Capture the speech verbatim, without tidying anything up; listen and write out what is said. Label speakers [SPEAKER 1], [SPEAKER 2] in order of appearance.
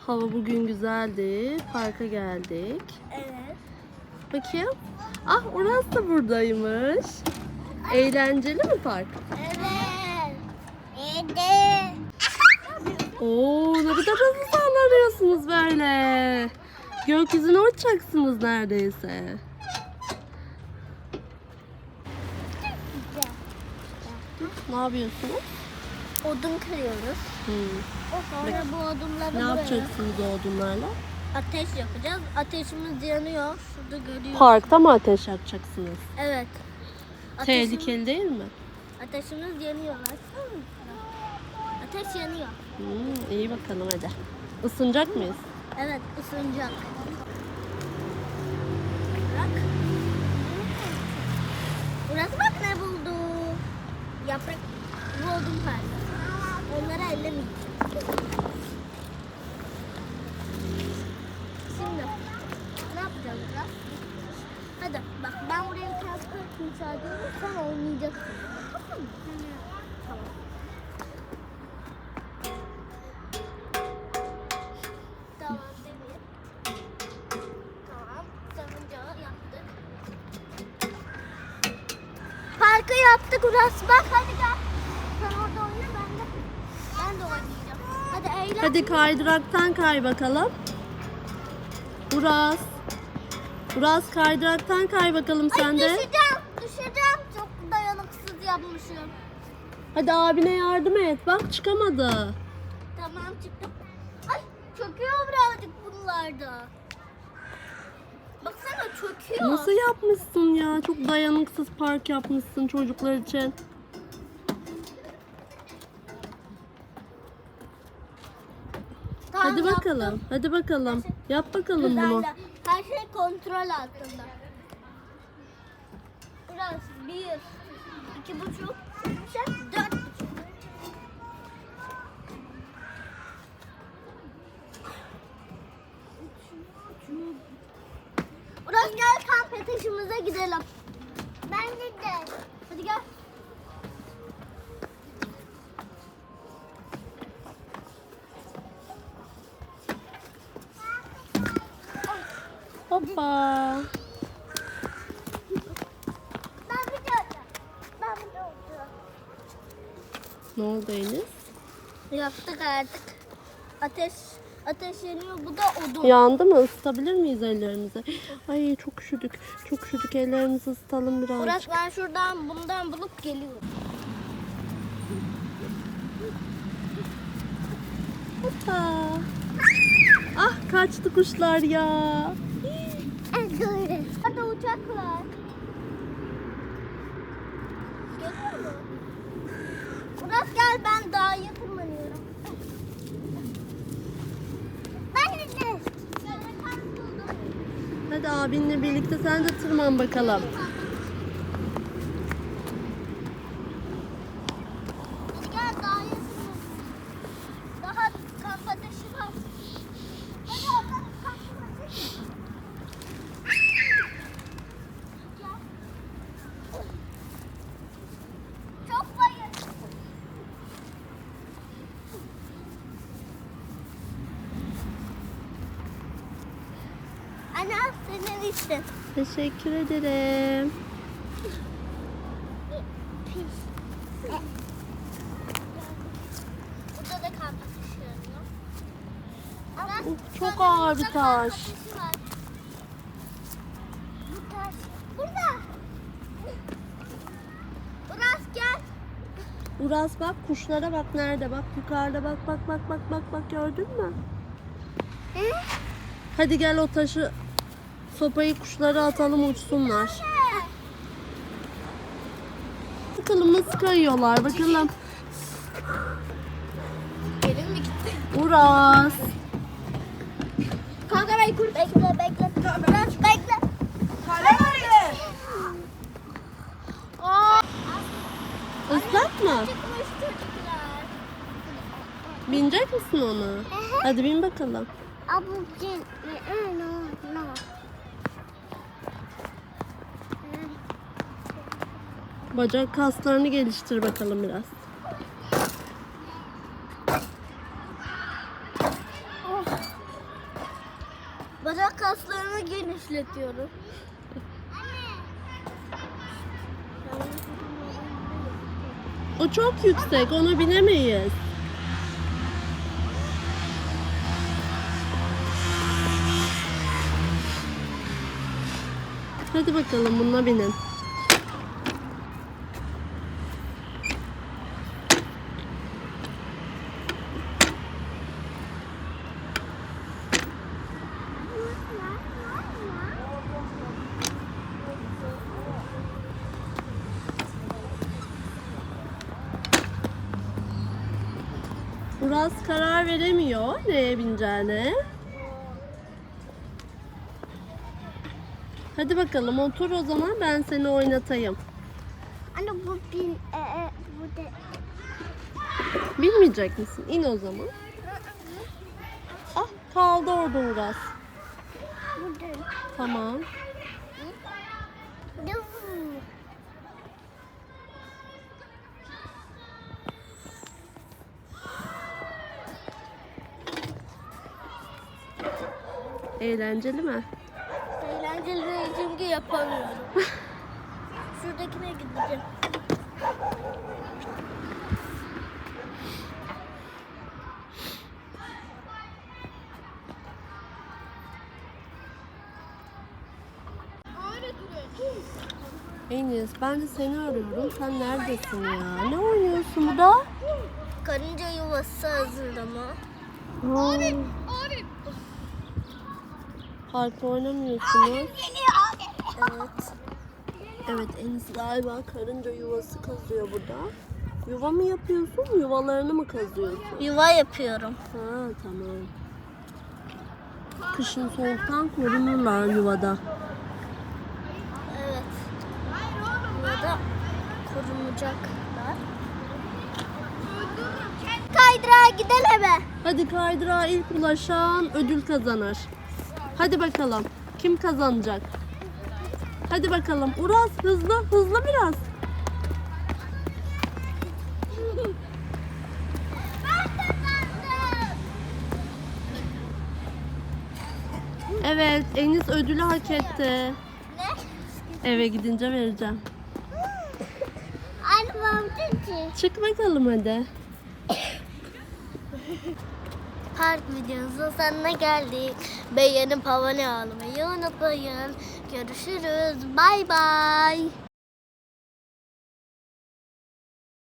[SPEAKER 1] Hava bugün güzeldi. Parka geldik.
[SPEAKER 2] Evet.
[SPEAKER 1] Bakayım. Ah, Uras da buradaymış. Eğlenceli mi park?
[SPEAKER 2] Evet. Evet.
[SPEAKER 1] Oo, ne kadar hızlı sallanıyorsunuz böyle. Gökyüzüne uçacaksınız neredeyse. Ne yapıyorsunuz?
[SPEAKER 2] Odun kırıyoruz.
[SPEAKER 1] Hmm.
[SPEAKER 2] Sonra bu odunları
[SPEAKER 1] Ne
[SPEAKER 2] buraya
[SPEAKER 1] yapacaksınız o odunlarla?
[SPEAKER 2] ateş yapacağız. Ateşimiz yanıyor. Şurada görüyoruz.
[SPEAKER 1] Parkta mı ateş yakacaksınız?
[SPEAKER 2] Evet. Ateşimiz,
[SPEAKER 1] Tehlikeli değil mi?
[SPEAKER 2] ateşimiz yanıyor. Baksana. Ateş yanıyor.
[SPEAKER 1] Hmm, iyi bakalım hadi. Isınacak mıyız?
[SPEAKER 2] Evet, ısınacak. Bak. Burası bak ne buldu. Yaprak bu odun parçası. Onları ellemeyeceğim. Şimdi ne yapacağız biraz? Hadi bak, ben buraya bir tane kırk müsaade edeyim, sen oynayacaksın. Tamam mı? Tamam. Tamam Demir. Tamam. Sarıncağı yaptık. Parkı yaptık Uras. Bak hadi gel. Sen orada oyna, ben de ben de oynayacağım. Hadi eğlen.
[SPEAKER 1] Hadi kaydıraktan kay bakalım. Uras. Uras kaydıraktan kay bakalım
[SPEAKER 2] Ay,
[SPEAKER 1] sen de.
[SPEAKER 2] düşeceğim. Düşeceğim. Çok dayanıksız yapmışım.
[SPEAKER 1] Hadi abine yardım et. Bak çıkamadı.
[SPEAKER 2] Tamam, çıktım. Ay, çöküyor birazcık bunlarda. Baksana, çöküyor.
[SPEAKER 1] Nasıl yapmışsın ya? Çok dayanıksız park yapmışsın çocuklar için.
[SPEAKER 2] Tamam,
[SPEAKER 1] Hadi
[SPEAKER 2] yaptım.
[SPEAKER 1] bakalım. Hadi bakalım. Yap bakalım bunu.
[SPEAKER 2] Güzel. Her şey kontrol altında. Biraz bir, iki buçuk, üç, dört buçuk. Biraz gel, kamp ateşimize gidelim. Ben de. Hadi gel.
[SPEAKER 1] Hoppa.
[SPEAKER 2] Ben bir de Ben bir de
[SPEAKER 1] Ne oldu Enis?
[SPEAKER 2] Yaptık artık. Ateş ateş yanıyor. Bu da odun.
[SPEAKER 1] Yandı mı? Isıtabilir miyiz ellerimizi? Ay çok üşüdük. Çok üşüdük. Ellerimizi ısıtalım birazcık.
[SPEAKER 2] Murat, ben şuradan bundan bulup geliyorum.
[SPEAKER 1] Hoppa. Ah, kaçtı kuşlar ya.
[SPEAKER 2] Doğru. Orada uçak var. Geliyor mu? Murat gel, ben dağa tırmanıyorum. Ben de.
[SPEAKER 1] Hadi abinle birlikte sen de tırman bakalım.
[SPEAKER 2] Gel, dağa tırmanıyorum. Daha kamp ateşi var. Hadi oradan kamp ateşi. Gel. Çok bayır. Anne, al senin için.
[SPEAKER 1] Teşekkür ederim.
[SPEAKER 2] Burada da kamp ateşi yanıyor.
[SPEAKER 1] Uf, çok ağır bir
[SPEAKER 2] Burada kamp
[SPEAKER 1] taş.
[SPEAKER 2] ateşi var. Bu taş. Burada. Uras gel.
[SPEAKER 1] Uras bak, kuşlara bak, nerede bak, yukarıda bak, bak bak bak bak bak, gördün mü?
[SPEAKER 2] Hı?
[SPEAKER 1] Hadi gel, o taşı, sopayı kuşlara atalım, uçsunlar. Bakalım nasıl kayıyorlar, bakalım.
[SPEAKER 2] Gelin mi gitti?
[SPEAKER 1] Uras.
[SPEAKER 2] Kamerayı kur. Bekle bekle. Uras bekle. Kamerayı. Aa.
[SPEAKER 1] Islak mı?
[SPEAKER 2] Çıkmış çocuklar.
[SPEAKER 1] Binecek misin onu? Hadi bin bakalım.
[SPEAKER 2] Abucin. No no.
[SPEAKER 1] Bacak kaslarını geliştir bakalım biraz.
[SPEAKER 2] Oh. kaslarımı genişletiyorum.
[SPEAKER 1] O çok yüksek, ona binemeyiz. Hadi bakalım bununla binin. Uras karar veremiyor neye bineceğine. Hadi bakalım otur o zaman, ben seni oynatayım.
[SPEAKER 2] Anne bu bin, e, e, bu de.
[SPEAKER 1] Bilmeyecek misin? İn o zaman. Ah, kaldı orada Uras.
[SPEAKER 2] Bu de.
[SPEAKER 1] Tamam.
[SPEAKER 2] Yuh.
[SPEAKER 1] Eğlenceli mi?
[SPEAKER 2] Eğlenceli değil çünkü yapamıyorum. Şuradakine gideceğim.
[SPEAKER 1] Enes, ben de seni arıyorum. Sen neredesin ya? Ne oynuyorsun burada?
[SPEAKER 2] Karınca yuvası hazırlama.
[SPEAKER 1] Aa, parkta oynamıyorsunuz.
[SPEAKER 2] Evet.
[SPEAKER 1] Evet, Enes galiba karınca yuvası kazıyor burada. Yuva mı yapıyorsun, yuvalarını mı kazıyorsun?
[SPEAKER 2] Yuva yapıyorum.
[SPEAKER 1] Ha, tamam. Kışın soğuktan korunurlar yuvada.
[SPEAKER 2] Evet. Yuvada korunacaklar. Kaydırağa gidelim mi?
[SPEAKER 1] Hadi kaydırağa ilk ulaşan ödül kazanır. Hadi bakalım. Kim kazanacak? Hadi bakalım. Uras hızlı, hızlı biraz.
[SPEAKER 2] Ben kazandım.
[SPEAKER 1] Evet, Enis ödülü hak etti.
[SPEAKER 2] Ne?
[SPEAKER 1] Eve gidince vereceğim.
[SPEAKER 2] Anne babacığım.
[SPEAKER 1] Çık bakalım hadi.
[SPEAKER 2] Park videomuzun sonuna geldik. Beğenip abone olmayı unutmayın. Görüşürüz. Bay bay.